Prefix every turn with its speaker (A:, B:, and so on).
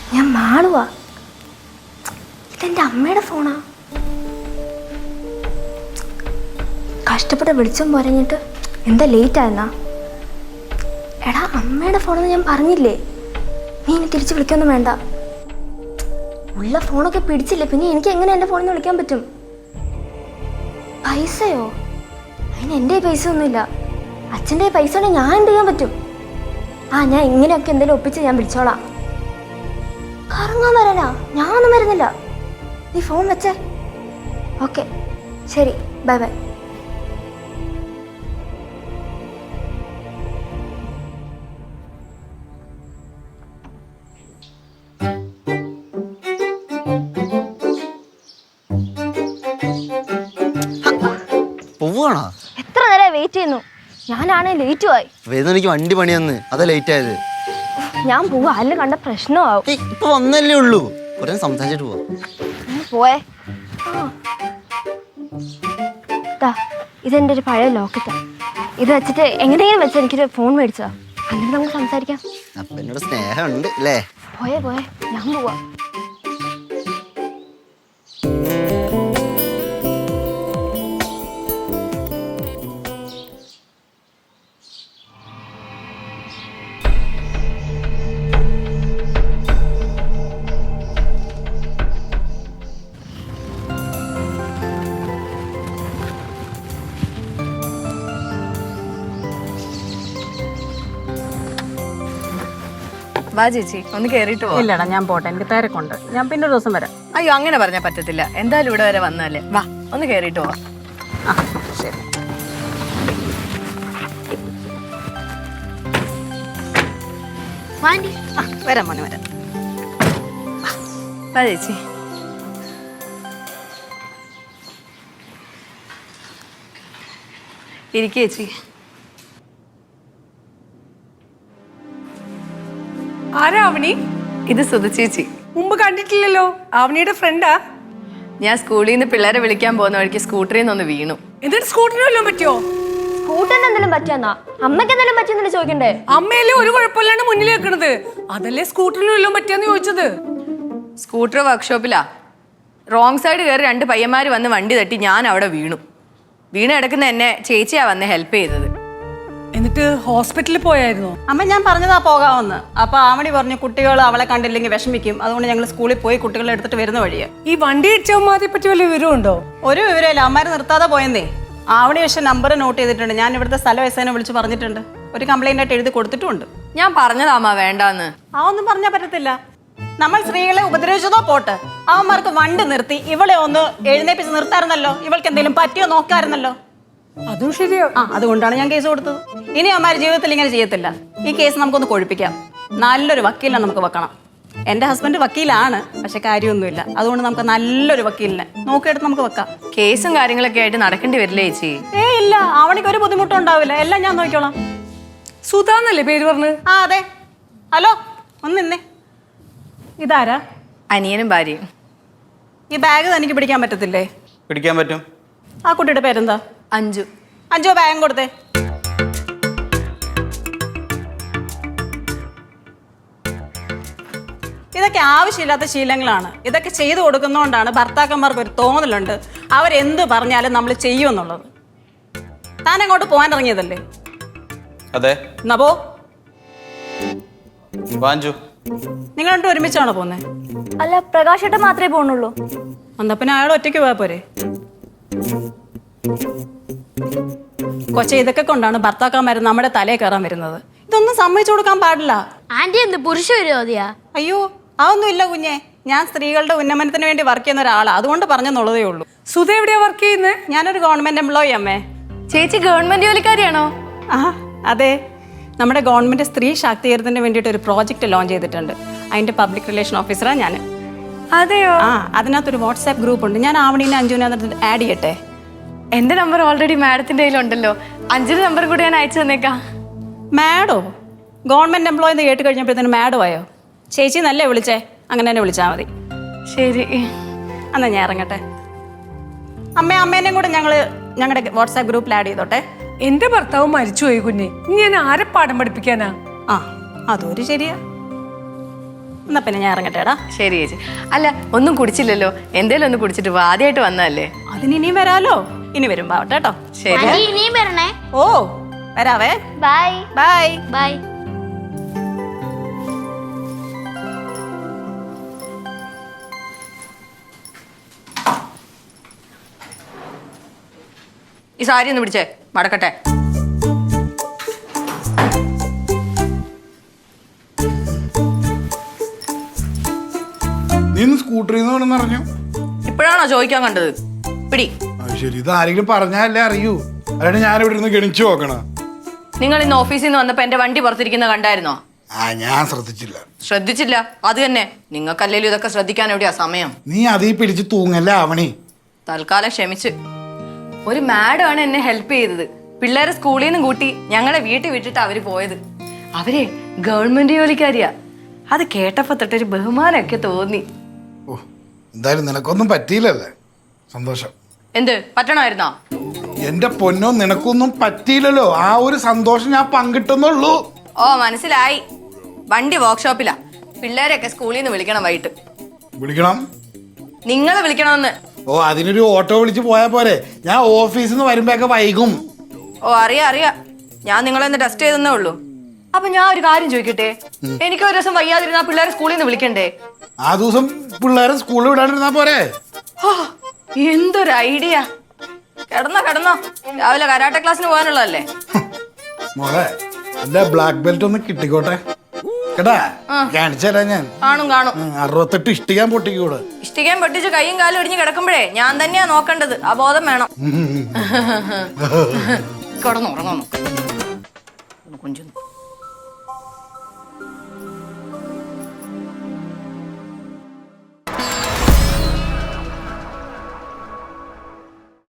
A: ഞാൻ മാളുവാ. ഇതെൻ്റെ അമ്മയുടെ ഫോണാ. കഷ്ടപ്പെട്ട് വിളിച്ചും പോരഞ്ഞിട്ട് എന്താ ലേറ്റ് ആയെന്നാ? എടാ, അമ്മയുടെ ഫോണെന്ന് ഞാൻ പറഞ്ഞില്ലേ. നീ ഇനി തിരിച്ച് വിളിക്കൊന്നും വേണ്ട. ഉള്ള ഫോണൊക്കെ പിടിച്ചില്ലേ, പിന്നെ എനിക്ക് എങ്ങനെ എൻ്റെ ഫോണിൽ നിന്ന് വിളിക്കാൻ പറ്റും? പൈസയോ? അതിന് എൻ്റെ പൈസ ഒന്നുമില്ല. അച്ഛൻ്റെ പൈസ ഉണ്ടെങ്കിൽ ഞാൻ എന്ത് ചെയ്യാൻ പറ്റും? ഞാൻ ഇങ്ങനെയൊക്കെ എന്തെങ്കിലും ഒപ്പിച്ച് ഞാൻ വിളിച്ചോളാം. കറങ്ങാൻ വരാനാ? ഞാനൊന്നും വരുന്നില്ല. നീ ഫോൺ വെച്ചേ. ഓക്കെ, ശരി, ബൈ ബൈ.
B: പോവാണോ?
A: എത്ര നേരം വെയിറ്റ് ചെയ്യുന്നു. ഞാനാണെ ലേറ്റ് ആയി.
B: എനിക്ക് വണ്ടി പണി വന്ന് അതാ ലേറ്റ് ആയത്.
A: ഞാൻ പോവാ, അല്ല കണ്ട പ്രശ്നമാവും.
B: ഇപ്പൊ വന്നല്ലേ ഉള്ളൂ, കുറെ സംസാരിച്ചിട്ട് പോവാ.
A: പോയേ. ഇതെന്റെ ഒരു പഴയ ലോക്കറ്റാ. ഇത് വെച്ചിട്ട് എങ്ങനെയെങ്കിലും വെച്ച് എനിക്കൊരു ഫോൺ മേടിച്ചതാ. അല്ലെങ്കിൽ നമുക്ക് സംസാരിക്കാം.
B: അപ്പൊ എന്നോട് സ്നേഹമുണ്ട് അല്ലേ?
A: പോയേ, ഞാൻ പോവാ.
C: വാ ചേച്ചി, ഒന്ന് കേറിയിട്ട് പോ.
D: ഇല്ലടാ, ഞാൻ പോട്ടെ, എനിക്ക് തിരക്കുണ്ട്. ഞാൻ പിന്നെ ഒരു ദിവസം വരാം.
C: അയ്യോ, അങ്ങനെ പറഞ്ഞാൽ പറ്റത്തില്ല. എന്തായാലും ഇവിടെ വരെ വന്നാലേ. വാ, ഒന്ന് കേറിയിട്ട് പോവാ.
D: ശരി.
C: വരാം മോനെ, വരാം. വാ ചേച്ചി. ഇരിക്കേ ചേച്ചി.
E: ആരാ അവനി?
C: ഇത് സുധ ചേച്ചി.
E: മുമ്പ് കണ്ടിട്ടില്ലല്ലോ. അവനിയുടെ ഫ്രണ്ടാ?
C: ഞാൻ സ്കൂളിൽ നിന്ന് പിള്ളേരെ വിളിക്കാൻ പോകുന്ന വഴിക്ക് സ്കൂട്ടറിൽ നിന്നൊന്ന് വീണു.
E: എന്നിട്ട് സ്കൂട്ടറിന് വല്ലതും പറ്റിയോ?
A: സ്കൂട്ടറിന് എന്തെങ്കിലും പറ്റിയെന്നാ? അമ്മയ്ക്ക് എന്തെങ്കിലും പറ്റിയെന്നല്ലേ ചോദിക്കണ്ടേ?
E: അമ്മയല്ലേ ഒരു കുഴപ്പമില്ലാണ്ട് മുന്നിൽ വെക്കണത്, അതല്ലേ സ്കൂട്ടറിന് വല്ലതും പറ്റിയെന്ന് ചോദിച്ചത്.
C: സ്കൂട്ടർ വർക്ക്ഷോപ്പിലാ. റോങ് സൈഡ് കയറി രണ്ട് പയ്യന്മാർ വന്ന് വണ്ടി തട്ടി ഞാൻ അവിടെ വീണു. വീണ് കിടക്കുന്ന എന്നെ ചേച്ചിയാ വന്ന് ഹെൽപ്പ് ചെയ്തത്.
E: എന്നിട്ട് ഹോസ്പിറ്റലിൽ പോയായിരുന്നോ?
D: അമ്മ, ഞാൻ പറഞ്ഞതാ പോകാമെന്ന്. അപ്പൊ ആവണി പറഞ്ഞു കുട്ടികൾ അവളെ കണ്ടില്ലെങ്കിൽ വിഷമിക്കും, അതുകൊണ്ട് ഞങ്ങൾ സ്കൂളിൽ പോയി കുട്ടികളെ എടുത്തിട്ട് വരുന്ന വഴിയാ.
E: ഈ വണ്ടി ഇടിച്ചവന്മാരെ പറ്റി വല്ല വിവരമുണ്ടോ?
D: ഒരു വിവരമില്ല, അമ്മമാരെ നിർത്താതെ പോയെന്നേ. ആവണി പക്ഷെ നമ്പർ നോട്ട് ചെയ്തിട്ടുണ്ട്. ഞാൻ ഇവിടുത്തെ സ്ഥല വയസ്സേനെ വിളിച്ച് പറഞ്ഞിട്ടുണ്ട്. ഒരു കംപ്ലൈന്റ് ആയിട്ട് എഴുതി കൊടുത്തിട്ടുണ്ട്.
C: ഞാൻ പറഞ്ഞതാമ്മ വേണ്ടാന്ന്.
D: ഒന്നും പറഞ്ഞാൽ പറ്റത്തില്ല. നമ്മൾ സ്ത്രീകളെ ഉപദ്രവിച്ചതോ പോട്ട്, അവന്മാർക്ക് വണ്ടി നിർത്തി ഇവളെ ഒന്ന് എഴുന്നേപ്പിച്ച് നിർത്താറുന്നല്ലോ. ഇവൾക്ക് എന്തെങ്കിലും പറ്റിയോ നോക്കാറുന്നല്ലോ.
E: അതും ശരിയോ?
D: അതുകൊണ്ടാണ് ഞാൻ കേസ് കൊടുത്തത്. ഇനി അമ്മമാർ ജീവിതത്തിൽ ഇങ്ങനെ ചെയ്യത്തില്ല. ഈ കേസ് നമുക്കൊന്ന് കൊഴിപ്പിക്കാം. നല്ലൊരു വക്കീലിനെ നമുക്ക് വെക്കണം. എന്റെ ഹസ്ബൻഡ് വക്കീലാണ്, പക്ഷെ കാര്യമൊന്നുമില്ല. അതുകൊണ്ട് നമുക്ക് നല്ലൊരു വക്കീലിനെ നോക്കിയെടുത്ത് നമുക്ക് വെക്കാം.
C: കേസും കാര്യങ്ങളൊക്കെ ആയിട്ട് നടക്കേണ്ടി വരില്ലേ ചേച്ചി?
D: ഇല്ല, അവണിക്ക് ഒരു ബുദ്ധിമുട്ടും ഉണ്ടാവില്ല. എല്ലാം ഞാൻ നോക്കിക്കോളാം.
E: സുധാന്നല്ലേ പേര് പറഞ്ഞ്?
D: അതെ. ഹലോ, ഒന്ന് നിന്നേ. ഇതാരാ?
C: അനിയനും ഭാര്യയും.
D: ഈ ബാഗ് തനിക്ക് പിടിക്കാൻ പറ്റത്തില്ലേ?
B: പിടിക്കാൻ പറ്റും.
D: ആ കുട്ടിയുടെ പേരെന്താ?
C: അഞ്ചു.
D: അഞ്ചോ, ബാഗ് കൊടുത്തേ. ഇതൊക്കെ ആവശ്യമില്ലാത്ത ശീലങ്ങളാണ്. ഇതൊക്കെ ചെയ്തു കൊടുക്കുന്നതുകൊണ്ടാണ് ഭർത്താക്കന്മാർക്ക് ഒരു തോന്നലുണ്ട് അവരെന്ത് പറഞ്ഞാലും നമ്മൾ ചെയ്യുമെന്നുള്ളത്. താൻ അങ്ങോട്ട് പോകാൻ ഇറങ്ങിയതല്ലേ?
F: അതെ.
D: എന്നാ പോ. നിങ്ങൾ രണ്ടും ഒരുമിച്ചാണോ പോന്നെ?
A: അല്ല, പ്രകാശേട്ടൻ മാത്രമേ പോണുള്ളൂ.
D: എന്നാ പിന്നെ അയാൾ ഒറ്റയ്ക്ക് പോയാ പോരെ? കൊച്ചെ, ഇതൊക്കെ കൊണ്ടാണ് ഭർത്താക്കന്മാര് നമ്മുടെ തലയിൽ കയറാൻ വരുന്നത്. ഇതൊന്നും സമ്മതിച്ചു കൊടുക്കാൻ പാടില്ല.
A: ആന്റി എന്ത് പുരുഷ വിരോധിയാ?
D: അയ്യോ, അതൊന്നും ഇല്ല കുഞ്ഞെ. ഞാൻ സ്ത്രീകളുടെ ഉന്നമനത്തിന് വേണ്ടി വർക്ക് ചെയ്യുന്ന ഒരാളാണ്, അതുകൊണ്ട് പറഞ്ഞെന്നുള്ളതേ ഉള്ളൂ.
E: സുധ എവിടെയാ വർക്ക് ചെയ്യുന്നത്?
D: ഞാനൊരു ഗവൺമെന്റ് എംപ്ലോയി അമ്മേ.
C: ചേച്ചി ഗവൺമെന്റ് ജോലിക്കാരിയാണോ?
D: അതെ. നമ്മുടെ ഗവൺമെന്റ് സ്ത്രീ ശാക്തീകരണത്തിന് വേണ്ടിയിട്ട് ഒരു പ്രോജക്റ്റ് ലോഞ്ച് ചെയ്തിട്ടുണ്ട്. അതിന്റെ പബ്ലിക് റിലേഷൻ ഓഫീസറാണ് ഞാൻ.
C: അതെയോ?
D: അതിനകത്തൊരു വാട്സാപ്പ് ഗ്രൂപ്പ് ഉണ്ട്. ഞാൻ ആവണീനെ അഞ്ജുവിനെ ആഡ് ചെയ്യട്ടെ?
C: എന്റെ നമ്പർ ഓൾറെഡി മാഡത്തിന്റെ കയ്യിലുണ്ടല്ലോ. അഞ്ചിന്റെ നമ്പർ കൂടി ഞാൻ അയച്ചു തന്നേക്കാം.
D: മാഡോ? ഗവൺമെന്റ് എംപ്ലോയി എന്ന് കേട്ട് കഴിഞ്ഞപ്പോഴത്തേന് മാഡോ ആയോ? ചേച്ചി നല്ലേ വിളിച്ചേ, അങ്ങനെ തന്നെ വിളിച്ചാൽ മതി.
C: ശരി,
D: എന്നാ ഞാൻ ഇറങ്ങട്ടെ. അമ്മേനെയും കൂടെ ഞങ്ങളുടെ വാട്സാപ്പ് ഗ്രൂപ്പിൽ ആഡ് ചെയ്തോട്ടെ.
E: എന്റെ ഭർത്താവ് മരിച്ചുപോയി കുഞ്ഞെ, ഇനി ഞാൻ ആരെ പാഠം പഠിപ്പിക്കാനാ?
D: അതൊരു ശരിയാ. എന്നാ പിന്നെ ഞാൻ ഇറങ്ങട്ടെടാ.
C: ശരി ചേച്ചി. അല്ല ഒന്നും കുടിച്ചില്ലല്ലോ, എന്തേലും ഒന്ന് കുടിച്ചിട്ട് വാ, ആദ്യമായിട്ട് വന്നതല്ലേ.
D: അതിന് ഇനിയും വരാലോ, ഇനി വരുമ്പോ ആവട്ടെ കേട്ടോ.
C: ശരി.
A: ഇനിയും വരണേ.
D: ഓ വരാവേ.
A: Bye
D: bye.
A: ബൈ.
C: ഈ സാരി ഒന്ന് പിടിച്ചേ, മടക്കട്ടെ.
F: നീ സ്കൂട്ടറിൽ നിന്ന് പറഞ്ഞു.
C: ഇപ്പോഴാണോ ചോദിക്കാൻ കണ്ടത്? പിടി.
F: ശരി, ഇത് ആരെങ്കിലും പറഞ്ഞാലേ അറിയൂ, അല്ലാണ്ട് ഞാനിവിടെ ഇരുന്ന് ഗണിച്ചു നോക്കണ.
C: നിങ്ങൾ ഇന്ന് ഓഫീസിൽ നിന്ന് വന്നപ്പോ എന്റെ വണ്ടി പുറത്തിരിക്കുന്ന കണ്ടായിരുന്നോ?
F: ഞാൻ ശ്രദ്ധിച്ചില്ല.
C: ശ്രദ്ധിച്ചില്ല? അത് തന്നെ, നിങ്ങൾക്കല്ലേലും ഇതൊക്കെ ശ്രദ്ധിക്കാൻ എവിടെയാ സമയം?
F: നീ അതീ പിടിച്ച് തൂങ്ങല്ലേ ആവണി.
C: തൽക്കാലം ക്ഷമിച്ച്. ഒരു മാഡം ആണ് എന്നെ ഹെൽപ്പ് ചെയ്തത്. പിള്ളേരെ സ്കൂളിൽ നിന്നും കൂട്ടി ഞങ്ങളെ വീട്ടിൽ വിട്ടിട്ട് അവര് പോയത്. അവരെ ഗവൺമെന്റ് ജോലിക്കാരിയാ. അത് കേട്ടപ്പോ തൊട്ടൊരു ബഹുമാനമൊക്കെ തോന്നി.
F: ഓ, എന്തായാലും നിനക്കൊന്നും പറ്റിയില്ലല്ലേ, സന്തോഷം.
C: എന്ത് പറ്റണമായിരുന്നോ?
F: എന്റെ പൊന്നോ, നിനക്കൊന്നും പറ്റിയില്ലല്ലോ, ആ ഒരു സന്തോഷം ഞാൻ പങ്കിട്ടെന്നുള്ളൂ.
C: ഓ മനസ്സിലായി. വണ്ടി വർക്ക്ഷോപ്പിലാ. പിള്ളേരെയൊക്കെ സ്കൂളിൽ നിന്ന് വിളിക്കണം വൈകിട്ട്.
F: വിളിക്കണം?
C: നിങ്ങളെ വിളിക്കണമെന്ന്.
F: ഓ, അതിനൊരു ഓട്ടോ വിളിച്ച് പോയാ പോരെ? ഞാൻ ഓഫീസിൽ നിന്ന് വരുമ്പോഴൊക്കെ വൈകും.
C: ഓ അറിയാം, ഞാൻ നിങ്ങളെ ഒന്ന് ടെസ്റ്റ് ചെയ്തെന്നേ ഉള്ളൂ. അപ്പൊ ഞാൻ ഒരു കാര്യം ചോദിക്കട്ടെ, എനിക്ക് ഒരു ദിവസം വയ്യാതിരുന്നാ പിള്ളേരെ സ്കൂളിൽ നിന്ന് വിളിക്കണ്ടേ?
F: ആ ദിവസം പിള്ളേരെ സ്കൂളിൽ വിടാണ്ടിരുന്നാ പോരെ?
C: എന്തൊരു ഐഡിയ. കിടന്നോ, രാവിലെ കരാട്ടെ ക്ലാസ്സിന് പോകാനുള്ളതല്ലേ.
F: മോളെ, എന്റെ ബ്ലാക്ക് ബെൽറ്റ് ഒന്ന് കിട്ടിക്കോട്ടെ കേട്ടാ, കാണിച്ചരാ ഞാൻ.
C: കാണും
F: 68 ഇഷ്ടിക്കാൻ പൊട്ടിക്കൂടെ.
C: ഇഷ്ടിക്കാൻ പൊട്ടിച്ച് കൈയും കാലും ഒടിഞ്ഞ് കിടക്കുമ്പോഴേ ഞാൻ തന്നെയാ നോക്കേണ്ടത്. ആ ബോധം വേണം. കിടന്നുറങ്ങാൻ നോക്കാം.